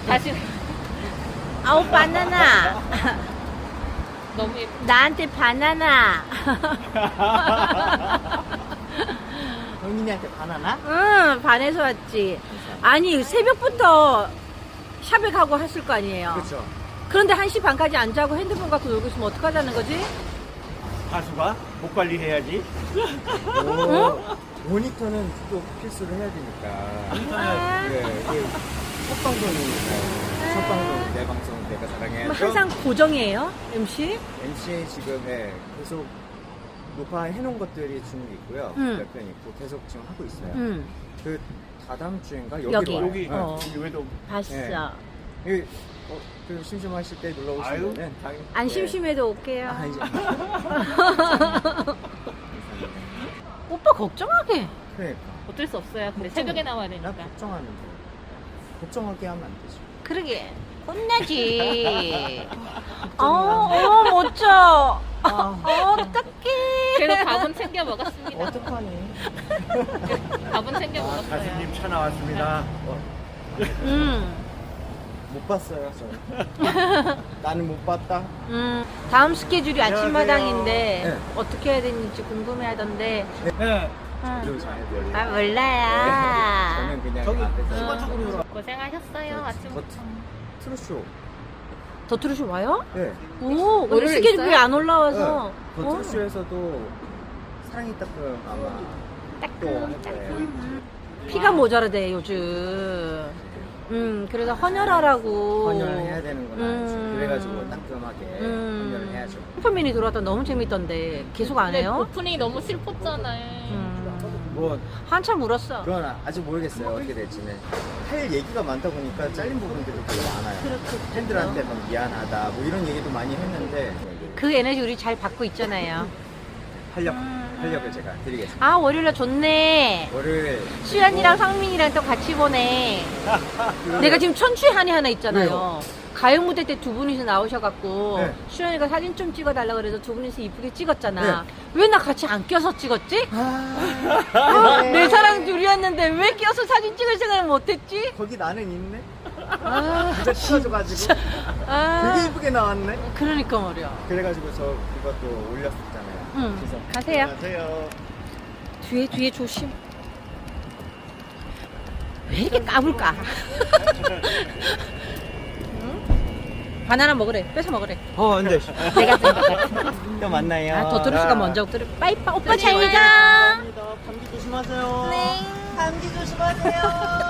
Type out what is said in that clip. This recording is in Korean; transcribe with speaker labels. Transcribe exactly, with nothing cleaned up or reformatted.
Speaker 1: 다시
Speaker 2: 아우 바나나.
Speaker 1: 너무 예뻐.
Speaker 2: 나한테 바나나.
Speaker 3: 영민이한테 바나나?
Speaker 2: 응, 반에서 왔지. 아니 새벽부터 샵에 가고 했을 거 아니에요.
Speaker 3: 그렇죠.
Speaker 2: 그런데 한 시 반까지 안 자고 핸드폰 갖고 놀고 있으면 어떡하자는 거지?
Speaker 4: 가수가 목 관리해야지.
Speaker 3: 오, 모니터는 또 필수로 해야 되니까.
Speaker 2: 아,
Speaker 3: 예, 이게 첫 방송이니까. 첫 방송, 내 방송 내가 사랑해야죠.
Speaker 2: 그럼 항상 고정이에요? 엠씨?
Speaker 3: 엠씨 지금 예, 계속 녹화해놓은 것들이 쭉 있고요.
Speaker 2: 음.
Speaker 3: 몇 편 있고 계속 지금 하고 있어요.
Speaker 2: 응,
Speaker 3: 그 다다음 주인가 여기로
Speaker 2: 여기.
Speaker 3: 와요.
Speaker 4: 여기
Speaker 2: 어.
Speaker 4: 여기 외도
Speaker 2: 봤어.
Speaker 3: 네. 이, 어, 그 심심하실 때 놀러
Speaker 4: 아유.
Speaker 3: 오시면은 당연히
Speaker 2: 안
Speaker 3: 예.
Speaker 2: 심심해도 올게요.
Speaker 3: 아, 이제
Speaker 2: 오빠 걱정하게.
Speaker 3: 그러니까
Speaker 1: 어쩔 수 없어요. 근데
Speaker 3: 걱정-
Speaker 1: 새벽에 나와야
Speaker 3: 나
Speaker 1: 되니까.
Speaker 3: 걱정하는데 걱정하게 하면 안 되죠.
Speaker 2: 그러게. 혼나지. 어, 어, 멋져. 어, 어떡해.
Speaker 1: 그래서 밥은 챙겨 먹었습니다.
Speaker 3: 어떡하니?
Speaker 1: 밥은 챙겨
Speaker 4: 아,
Speaker 1: 먹었어요.
Speaker 4: 가수님 차 나왔습니다.
Speaker 2: 음,
Speaker 3: 못 봤어요, 저. 나는 못 봤다.
Speaker 2: 음. 다음 스케줄이 아침마당인데
Speaker 3: 네.
Speaker 2: 어떻게 해야 되는지 궁금해 하던데.
Speaker 4: 네.
Speaker 2: 응.
Speaker 3: 좀 잘해드려요.
Speaker 2: 아, 몰라요.
Speaker 3: 저는 그냥
Speaker 4: 저기
Speaker 3: 앞에서
Speaker 4: 수건 쪽으로
Speaker 1: 고생하셨어요. 아침부터.
Speaker 3: 트루쇼.
Speaker 2: 더트루쇼 와요?
Speaker 3: 네.
Speaker 2: 오, 오늘
Speaker 1: 오늘
Speaker 2: 스케줄이
Speaker 1: 있어요?
Speaker 2: 안 올라와서.
Speaker 3: 네.
Speaker 2: 어.
Speaker 3: 더트루쇼에서도 사랑이 따끔 아마 또 할
Speaker 2: 피가 모자라대 요즘. 음, 그래서 헌혈하라고.
Speaker 3: 헌혈을 해야 되는구나.
Speaker 2: 음.
Speaker 3: 그래가지고 따끔하게
Speaker 2: 음.
Speaker 3: 헌혈을 해야죠.
Speaker 2: 슈퍼맨이 들어왔다 너무 재밌던데 계속 안
Speaker 1: 근데
Speaker 2: 해요?
Speaker 1: 오프닝이 너무 슬펐잖아요.
Speaker 2: 음,
Speaker 3: 뭐
Speaker 2: 한참 울었어.
Speaker 3: 그건 아직 모르겠어요. 어떻게 될지는. 할 얘기가 많다 보니까 잘린 부분들이 되게 많아요.
Speaker 2: 그렇겠죠.
Speaker 3: 팬들한테 막 미안하다 뭐 이런 얘기도 많이 했는데
Speaker 2: 그 에너지 우리 잘 받고 있잖아요.
Speaker 3: 활력
Speaker 2: 음.
Speaker 3: 활력을 제가 드리겠습니다.
Speaker 2: 아, 월요일날 좋네.
Speaker 3: 월요일
Speaker 2: 수연이랑 상민이랑 또 같이 보네. 내가 지금 천추의 한이 하나 있잖아요.
Speaker 3: 왜요?
Speaker 2: 가요 무대 때 두 분이서 나오셔갖고
Speaker 3: 네.
Speaker 2: 수연이가 사진 좀 찍어달라 그래서 두 분이서 이쁘게 찍었잖아.
Speaker 3: 네.
Speaker 2: 왜 나 같이 안 껴서 찍었지?
Speaker 3: 아,
Speaker 2: 어, 내 사랑 둘이었는데 왜 껴서 사진 찍을 생각을 못했지?
Speaker 3: 거기 나는 있네.
Speaker 2: 아,
Speaker 3: 진짜 찍어줘가지고
Speaker 2: 아,
Speaker 3: 되게 이쁘게 나왔네.
Speaker 2: 그러니까 말이야.
Speaker 3: 그래가지고 저 그것도 올렸었잖아요.
Speaker 2: 응,
Speaker 3: 그래서
Speaker 2: 가세요.
Speaker 4: 안녕하세요.
Speaker 2: 뒤에 뒤에 조심. 왜 이렇게 까불까? 응? 바나나 먹으래. 뺏어 먹으래.
Speaker 3: 어, 근데
Speaker 2: 내가 쓴것 같아.
Speaker 3: 또 만나요.
Speaker 2: 아, 더트루스가 먼저 들어. 빠이빠 오빠 잘 가.
Speaker 3: 감사합니다. 감기 조심하세요.
Speaker 2: 네.
Speaker 3: 감기 조심하세요.